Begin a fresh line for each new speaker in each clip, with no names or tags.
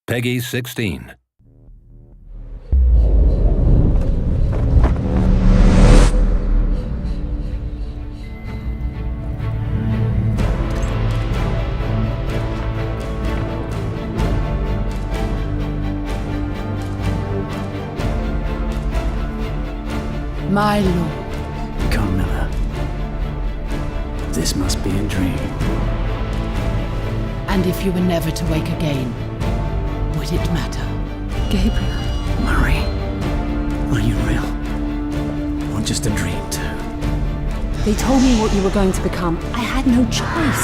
Peggy 16.
My lord.
Carmilla, this must be a dream.
And if you were never to wake again, would it matter?
Gabriel.
Marie, are you real? Or just a dream too?
They told me what you were going to become. I had no choice.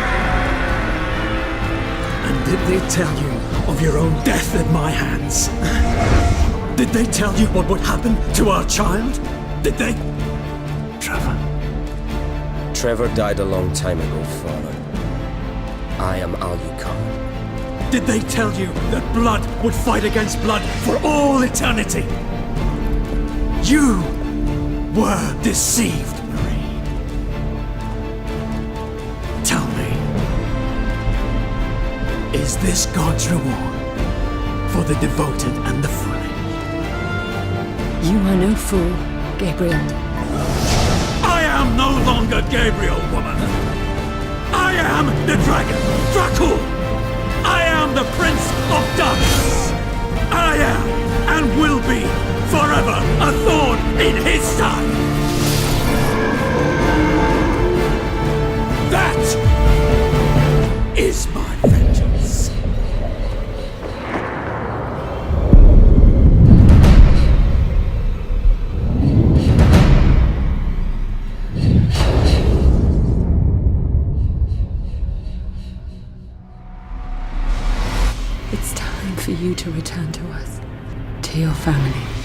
And did they tell you of your own death at my hands? Did they tell you what would happen to our child? Did they? Trevor.
Trevor died a long time ago, Father. I am Alucard.
Did they tell you that blood would fight against blood for all eternity? You were deceived, Marie. Tell me, is this God's reward for the devoted and the foolish?
You are no fool, Gabriel.
I am no longer Gabriel, woman. I am the dragon, Dracul. I am the Prince of Darkness. I am, and will be, forever a thorn in his side. That is my vengeance.
It's time for you to return to us, to your family.